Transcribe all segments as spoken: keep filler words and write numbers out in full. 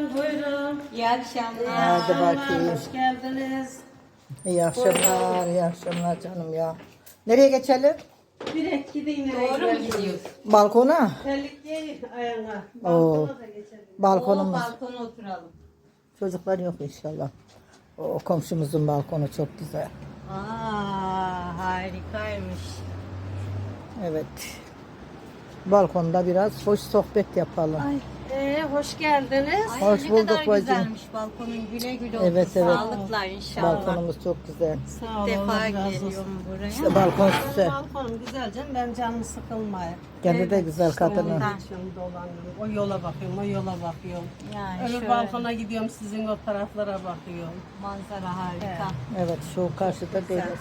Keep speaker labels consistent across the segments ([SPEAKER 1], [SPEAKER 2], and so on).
[SPEAKER 1] buyurun.
[SPEAKER 2] İyi akşamlar.
[SPEAKER 3] Hadi bakayım.
[SPEAKER 1] Hoş geldiniz.
[SPEAKER 3] İyi akşamlar, iyi akşamlar canım ya. Nereye geçelim?
[SPEAKER 1] Direkt gidin.
[SPEAKER 2] Doğru mu gidiyoruz?
[SPEAKER 3] Balkona.
[SPEAKER 1] Terlik giy ayağına.
[SPEAKER 3] Oo.
[SPEAKER 1] Balkona da geçelim.
[SPEAKER 2] O
[SPEAKER 3] Balkonumuz.
[SPEAKER 2] balkona oturalım.
[SPEAKER 3] Çocuklar yok inşallah. O komşumuzun balkonu çok güzel.
[SPEAKER 2] Aa, harikaymış.
[SPEAKER 3] Evet. Balkonda biraz hoş sohbet yapalım.
[SPEAKER 2] Ay,
[SPEAKER 1] Ee, hoş geldiniz.
[SPEAKER 2] ay
[SPEAKER 3] Hoş
[SPEAKER 2] ne
[SPEAKER 3] bulduk
[SPEAKER 2] kadar
[SPEAKER 3] bacım.
[SPEAKER 2] güzelmiş balkonun, güle güle olsun.
[SPEAKER 3] Evet, evet.
[SPEAKER 2] Sağlıkla inşallah.
[SPEAKER 3] Balkonumuz çok güzel.
[SPEAKER 1] Sağ olun.
[SPEAKER 2] defa
[SPEAKER 1] Allah razı olsun.
[SPEAKER 2] geliyorum buraya.
[SPEAKER 3] İşte balkon
[SPEAKER 1] Benim
[SPEAKER 3] size.
[SPEAKER 1] balkonum güzel canım. Ben canım sıkılmaya.
[SPEAKER 3] Kendi de güzel kadını.
[SPEAKER 1] Ondan şimdi dolanıyorum. O yola bakıyorum, o yola bakıyorum.
[SPEAKER 2] Yani
[SPEAKER 1] Öbür
[SPEAKER 2] şöyle
[SPEAKER 1] balkona gidiyorum, sizin o taraflara bakıyorum.
[SPEAKER 2] manzara harika.
[SPEAKER 3] Evet, şu karşıda deniz.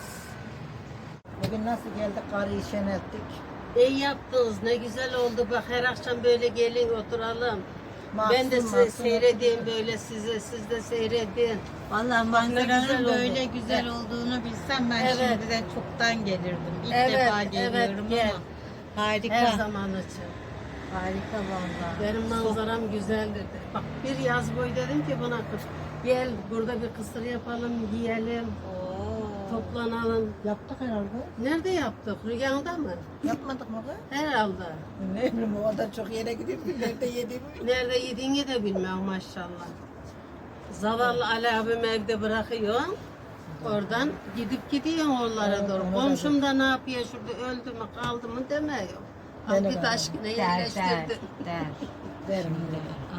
[SPEAKER 3] Bugün nasıl geldik? Karıyı şenettik.
[SPEAKER 1] İyi yaptınız, ne güzel oldu. Bak her akşam böyle gelin oturalım. ben de
[SPEAKER 3] Mahsun,
[SPEAKER 1] size
[SPEAKER 3] mahsun
[SPEAKER 1] seyredeyim böyle size, siz de seyredin.
[SPEAKER 2] Vallahi
[SPEAKER 1] güzel
[SPEAKER 2] manzaranın
[SPEAKER 1] oldu.
[SPEAKER 2] böyle güzel olduğunu bilsem ben
[SPEAKER 1] Evet.
[SPEAKER 2] şimdiden çoktan gelirdim. İlk
[SPEAKER 1] Evet,
[SPEAKER 2] defa
[SPEAKER 1] evet,
[SPEAKER 2] geliyorum
[SPEAKER 1] gel.
[SPEAKER 2] ama harika.
[SPEAKER 1] Her zaman için.
[SPEAKER 2] Harika vallahi.
[SPEAKER 1] Benim manzaram güzel dedi. Bak bir yaz boyu dedim ki buna kız gel burada bir kısır yapalım, yiyelim,
[SPEAKER 2] Oo.
[SPEAKER 1] toplanalım.
[SPEAKER 3] Yaptık herhalde.
[SPEAKER 1] Nerede yaptık? Rüyanda mı?
[SPEAKER 3] Yapmadık mı? kız?
[SPEAKER 1] Herhalde.
[SPEAKER 3] Ne bileyim, o kadar çok yere gidip nerede yediğimi.
[SPEAKER 1] Nerede yediğini de bilmiyorum maşallah. Zavallı Ali abim evde bırakıyor. Oradan gidip gidiyor oralara
[SPEAKER 3] Evet,
[SPEAKER 1] doğru.
[SPEAKER 3] ona da
[SPEAKER 1] Komşum da ne yapıyor şurada öldü mü kaldı mı demiyor.
[SPEAKER 3] Ben de
[SPEAKER 1] Al git
[SPEAKER 3] ben.
[SPEAKER 1] aşkına
[SPEAKER 2] Der der
[SPEAKER 1] yerleştirdi.
[SPEAKER 2] der.
[SPEAKER 3] Derim.
[SPEAKER 2] Aa.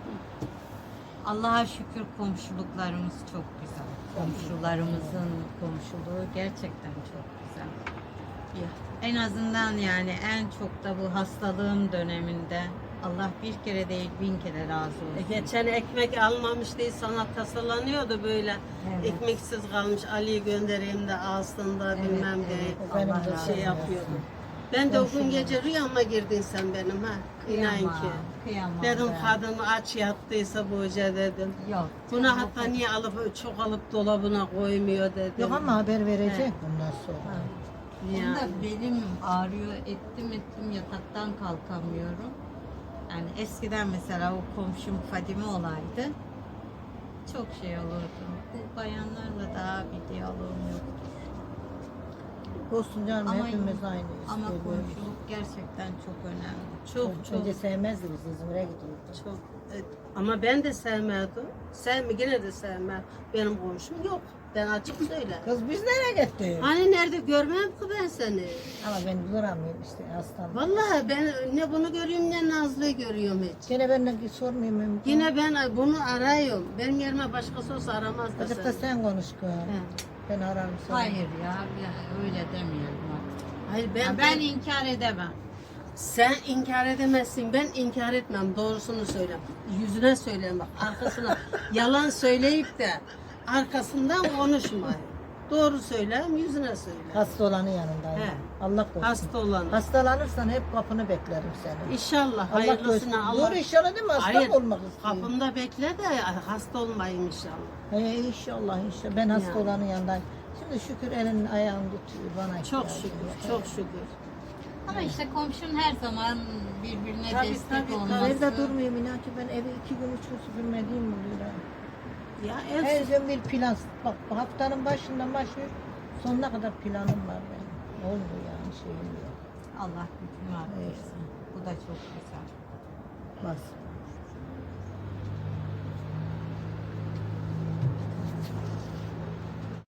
[SPEAKER 2] Allah'a şükür komşuluklarımız çok güzel. Komşularımızın komşuluğu gerçekten çok güzel.
[SPEAKER 1] Ya.
[SPEAKER 2] En azından yani en çok da bu hastalığım döneminde Allah bir kere değil bin kere razı
[SPEAKER 1] E,
[SPEAKER 2] olsun.
[SPEAKER 1] Geçen ekmek almamış diye sana tasalanıyordu böyle.
[SPEAKER 2] Evet.
[SPEAKER 1] Ekmeksiz kalmış Ali'yi göndereyim de alsın da
[SPEAKER 2] Evet,
[SPEAKER 1] bilmem
[SPEAKER 2] evet.
[SPEAKER 1] diye
[SPEAKER 3] O benim
[SPEAKER 2] Allah
[SPEAKER 3] de
[SPEAKER 2] razı
[SPEAKER 1] şey
[SPEAKER 3] olsun.
[SPEAKER 1] yapıyordu. Ben de o gün gece rüyama girdin sen benim ha. İnan
[SPEAKER 2] Kıyamam,
[SPEAKER 1] ki.
[SPEAKER 2] kıyamam
[SPEAKER 1] Dedim
[SPEAKER 2] ben.
[SPEAKER 1] kadın aç yattıysa bu hoca dedim.
[SPEAKER 2] Yok.
[SPEAKER 1] Bunu hatta niye alıp çok alıp dolabına koymuyor dedim.
[SPEAKER 3] Yok ama haber verecek
[SPEAKER 1] Evet.
[SPEAKER 3] bundan sonra.
[SPEAKER 2] Onda
[SPEAKER 1] Yani.
[SPEAKER 2] belim ağrıyor, ettim ettim yataktan kalkamıyorum. Yani eskiden mesela o komşum Fadime olaydı. Çok şey olurdu. Bu bayanlarla daha bir diyaloğum yoktu.
[SPEAKER 3] Olsun canım,
[SPEAKER 2] Ama-
[SPEAKER 3] hepimiz aynıyız.
[SPEAKER 2] Ama
[SPEAKER 3] Seviyoruz.
[SPEAKER 2] komşuluk gerçekten çok önemli.
[SPEAKER 1] Çok çok
[SPEAKER 3] Önce sevmezdi, biz İzmir'e gidiyorduk.
[SPEAKER 1] çok. Evet. Ama ben de sevmedim. Sevme yine de sevmem. Benim komşum yok. Ben açık söyle.
[SPEAKER 3] Kız biz nereye gittik?
[SPEAKER 1] Hani nerede görmem ki ben seni.
[SPEAKER 3] Ama ben duramıyorum işte hastam.
[SPEAKER 1] Vallahi ben ne bunu görüyorum ne Nazlı'yı görüyorum hiç.
[SPEAKER 3] Gene benden sormayayım mümkün.
[SPEAKER 1] Yine ben bunu arıyorum. Benim yerime başkası olsa aramaz da
[SPEAKER 3] Azıcık da
[SPEAKER 1] seni.
[SPEAKER 3] sen konuş kız.
[SPEAKER 1] He.
[SPEAKER 3] Ben ararım seni.
[SPEAKER 2] Hayır ya, ya öyle demeyelim artık.
[SPEAKER 1] Hayır ben,
[SPEAKER 2] Ya ben inkar edemem.
[SPEAKER 1] sen inkar edemezsin. Ben inkar etmem. Doğrusunu söyle. Yüzüne söyle bak. Arkasına yalan söyleyip de arkasından konuşmayın. Doğru söyleyeyim, yüzüne söyle.
[SPEAKER 3] Hasta olanın yanındayım.
[SPEAKER 1] He.
[SPEAKER 3] Allah korusun.
[SPEAKER 1] Hasta olan.
[SPEAKER 3] Hastalanırsan hep kapını beklerim seni.
[SPEAKER 1] İnşallah
[SPEAKER 3] Allah korusun.
[SPEAKER 1] hayırlısına Allah.
[SPEAKER 3] Doğru inşallah değil mi? Hasta
[SPEAKER 1] Hayır,
[SPEAKER 3] mı olmak istiyorum?
[SPEAKER 1] kapımda bekle de hasta olmayayım inşallah.
[SPEAKER 3] He, inşallah inşallah. Ben hasta
[SPEAKER 1] Yani.
[SPEAKER 3] olanın yanındayım. Şimdi şükür elin ayağın tutuyor bana.
[SPEAKER 1] Çok
[SPEAKER 3] ihtiyacım
[SPEAKER 1] şükür,
[SPEAKER 3] yok.
[SPEAKER 1] çok şükür.
[SPEAKER 2] Ama işte komşun her zaman birbirine
[SPEAKER 1] Tabii,
[SPEAKER 2] destek
[SPEAKER 1] tabii, tabii.
[SPEAKER 2] olması.
[SPEAKER 3] Evde durmuyorum inan ki ben evi iki gün üç gün süpürmediğim oluyor. ha.
[SPEAKER 1] Ya
[SPEAKER 3] Her
[SPEAKER 1] ev
[SPEAKER 3] gün bir plan. Bak haftanın başından başlıyor. Sonuna kadar planım var benim. Olmuyor yani şeyim yok.
[SPEAKER 2] Allah gücünü artırsın. Bu da çok güzel.
[SPEAKER 3] Bas.